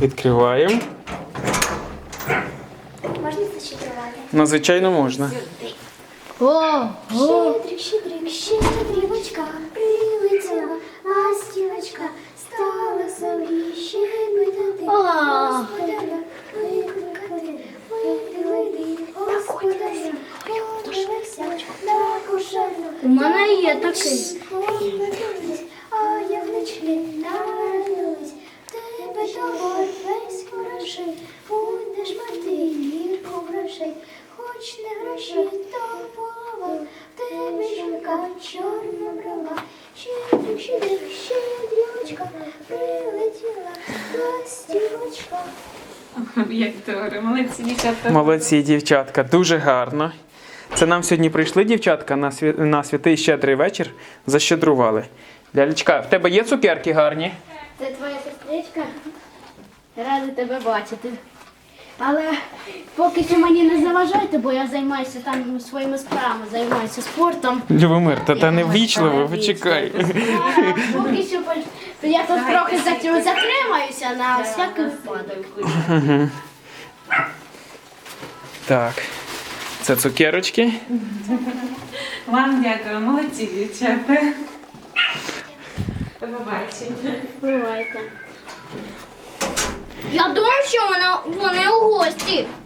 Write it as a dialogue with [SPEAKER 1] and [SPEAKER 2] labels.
[SPEAKER 1] Відкриваємо.
[SPEAKER 2] Можна зачитувати?
[SPEAKER 1] Ну, звичайно, можна.
[SPEAKER 2] Щедрик, щедрик, щедрівочка, прилетіла ластівочка, стала собі щебетати, господаря викликати, вийди, господаря, подивився на кошарну.
[SPEAKER 3] У мене є такий.
[SPEAKER 2] А явнички народились, тебе товар весь хороший, будеш мати гірку грошей, хоч не гроші, то полова, в тебе жінка чорна брала. Щедрик, щедрик, щедрівочка, прилетіла ластівочка.
[SPEAKER 4] Як добре, молодці дівчатка.
[SPEAKER 1] Молодці, дівчатка, дуже гарно. Це нам сьогодні прийшли дівчатка на святий щедрий вечір, защедрували. Лялечка, в тебе є цукерки гарні?
[SPEAKER 3] Це твоя сестричка. Рада тебе бачити. Але поки що мені не заважайте, бо я займаюся там своїми справами, займаюся спортом.
[SPEAKER 1] Любомир, та не ввічливо, почекай.
[SPEAKER 3] А поки що я тут трохи затримаюся на всякий випадок.
[SPEAKER 1] Так, це цукерочки.
[SPEAKER 4] Вам дякую, молодці дівчата. До побачення.
[SPEAKER 3] Бувайте. Я думаю, що вони у гості.